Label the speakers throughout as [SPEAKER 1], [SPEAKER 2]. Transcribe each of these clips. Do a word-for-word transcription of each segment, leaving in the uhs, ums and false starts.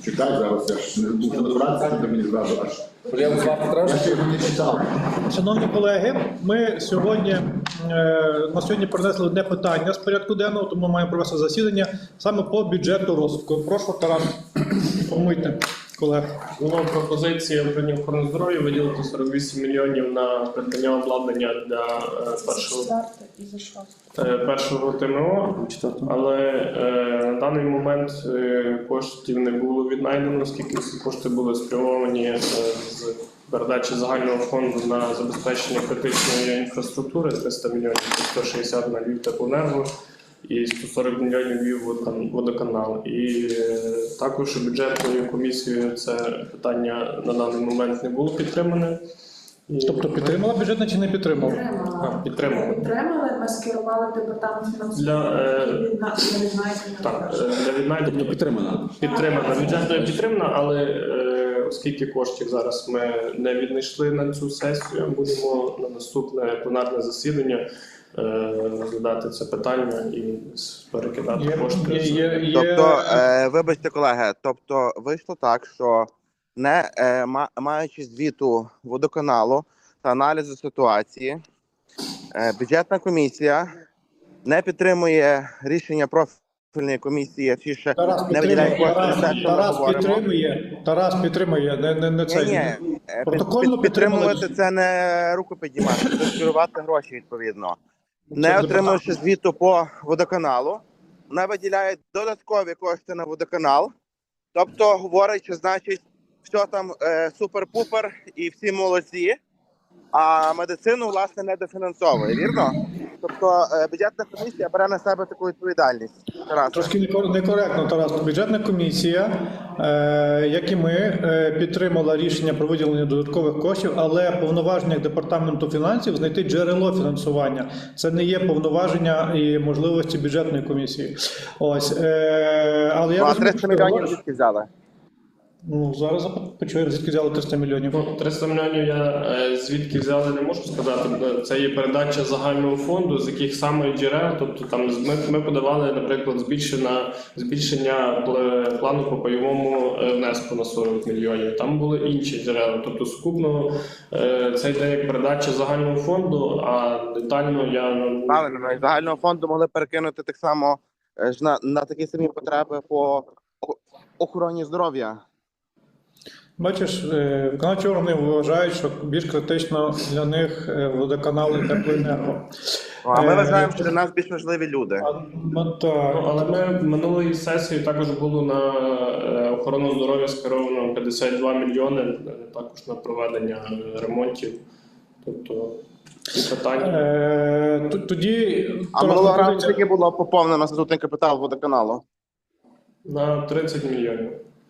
[SPEAKER 1] Чекай, зараз я ж не був телефонації, щоб мені зразу аж.
[SPEAKER 2] Я
[SPEAKER 1] ще його не читав.
[SPEAKER 3] Шановні колеги, ми сьогодні е, на сьогодні принесли одне питання з порядку денного, тому маємо провести засідання саме по бюджету розвитку. Прошу, Тарас, інформуйте колег.
[SPEAKER 4] Була пропозиція управління охорони здоров'я виділити сорок вісім мільйонів на придбання обладнання для е, першого, е, першого ТМО, але е, на даний момент е, коштів не було віднайдено, оскільки всі кошти були спрямовані е, з передачі загального фонду на забезпечення критичної інфраструктури триста мільйонів, сто шістдесят на Львівтеплоенерго і сто сорок мільйонів Львівводоканал. І е, також бюджетною комісією це питання на даний момент не було підтримане. І
[SPEAKER 3] Тобто підтримала бюджетна чи не підтримала?
[SPEAKER 4] А, підтримали.
[SPEAKER 5] Підтримали, ми скерували департамент фінансування
[SPEAKER 4] Для, е,
[SPEAKER 5] і відна- для віднайдення.
[SPEAKER 4] Так, е, для віднайдення
[SPEAKER 2] Підтримана.
[SPEAKER 4] підтримана. Бюджетною підтримана, але е, оскільки коштів зараз ми не віднайшли на цю сесію, будемо на наступне пленарне засідання е, розглядати це питання і перекидати
[SPEAKER 3] Є,
[SPEAKER 4] кошти.
[SPEAKER 3] є,
[SPEAKER 4] з-
[SPEAKER 3] є, є...
[SPEAKER 6] Тобто, е, вибачте, колеги, тобто вийшло так, що не е, ма- маючи звіту водоканалу та аналізу ситуації, е, бюджетна комісія не підтримує рішення профільної комісії, чи ще
[SPEAKER 3] Тарас
[SPEAKER 6] не виділяє
[SPEAKER 3] підтримує,
[SPEAKER 6] кошти на
[SPEAKER 3] Тарас,
[SPEAKER 6] те, що ми
[SPEAKER 3] Тарас
[SPEAKER 6] говоримо.
[SPEAKER 3] підтримує, Тарас підтримує, не, не, не це.
[SPEAKER 6] Ні, ні, е, під-
[SPEAKER 3] Протокольно
[SPEAKER 6] під- підтримувати
[SPEAKER 3] підтримали.
[SPEAKER 6] це не руку піднімати, це скерувати гроші відповідно.
[SPEAKER 3] Це
[SPEAKER 6] Не
[SPEAKER 3] депутат.
[SPEAKER 6] отримавши звіту по водоканалу, вона виділяє додаткові кошти на водоканал, тобто говорить, що значить все там е, супер-пупер і всі молодці, а медицину, власне, не дофінансовує, вірно? Тобто е, бюджетна комісія бере на себе таку відповідальність. Тарас.
[SPEAKER 3] Трошки некор- некоректно, Тарас. Бюджетна комісія, е, як і ми, е, підтримала рішення про виділення додаткових коштів, але повноваження департаменту фінансів знайти джерело фінансування. Це не є повноваження і можливості бюджетної комісії. Ось, е, але я
[SPEAKER 6] Ну, а
[SPEAKER 3] розумію,
[SPEAKER 6] триста
[SPEAKER 3] що
[SPEAKER 6] мільйонів
[SPEAKER 3] ви-
[SPEAKER 6] звідки взяли?
[SPEAKER 3] Ну, зараз запит- почуємо, звідки взяли триста мільйонів.
[SPEAKER 4] Ну, триста мільйонів я е, звідки взяли, не можу сказати. Це є передача загального фонду, з яких саме джерел. Тобто там з- ми, ми подавали, наприклад, збільшення, збільшення пл- плану по пайовому е, внеску на сорок мільйонів. Там були інші джерела. Тобто сукупно е, це йде як передача загального фонду, а детально я ну,
[SPEAKER 6] Правильно, ну, із загального фонду могли перекинути так само е, ж на, на такі самі потреби по о- охороні здоров'я.
[SPEAKER 3] Бачиш, е, виконавчі органи вважають, що більш критично для них е, водоканал і теплоенерго.
[SPEAKER 6] А ми
[SPEAKER 3] Е,
[SPEAKER 6] вважаємо, що для нас більш важливі люди.
[SPEAKER 3] А, ну, так.
[SPEAKER 4] Ну, але ми минулої сесії також було на е, охорону здоров'я скеровано п'ятдесят два мільйони, е, також на проведення е, ремонтів. Тобто ці питання.
[SPEAKER 3] Е, т- Тоді
[SPEAKER 6] А
[SPEAKER 3] Тарас,
[SPEAKER 6] минулого разу
[SPEAKER 3] пропозиція-
[SPEAKER 6] скільки було поповнено статутний капітал водоканалу?
[SPEAKER 4] На тридцять мільйонів.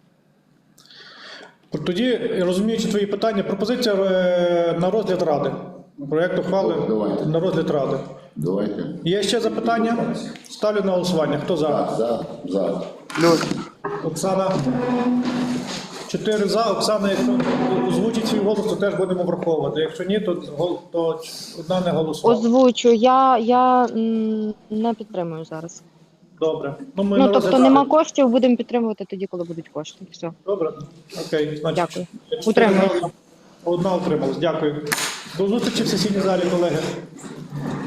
[SPEAKER 3] Тоді, розуміючи твої питання, пропозиція е, на розгляд ради. Проєкт ухвали
[SPEAKER 1] Давайте.
[SPEAKER 3] на розгляд ради.
[SPEAKER 1] Давайте.
[SPEAKER 3] Є ще запитання? Ставлю на голосування. Хто за?
[SPEAKER 1] За, за, за.
[SPEAKER 6] Плюс.
[SPEAKER 3] Оксана. Чотири за. Оксана, якщо озвучить свій голос, то теж будемо враховувати. Якщо ні, то, гол- то одна не голосувала.
[SPEAKER 7] Озвучу, я, я м, не підтримую зараз.
[SPEAKER 3] Добре. Ну, ми
[SPEAKER 7] Ну,
[SPEAKER 3] на
[SPEAKER 7] тобто
[SPEAKER 3] розгляд
[SPEAKER 7] нема
[SPEAKER 3] ради.
[SPEAKER 7] коштів, будемо підтримувати тоді, коли будуть кошти. Все.
[SPEAKER 3] Добре. Окей. Значить,
[SPEAKER 7] Дякую.
[SPEAKER 3] чотири
[SPEAKER 7] Утримуюсь.
[SPEAKER 3] за. Одна утрималась. Дякую. До зустрічі в сесійній залі, колеги.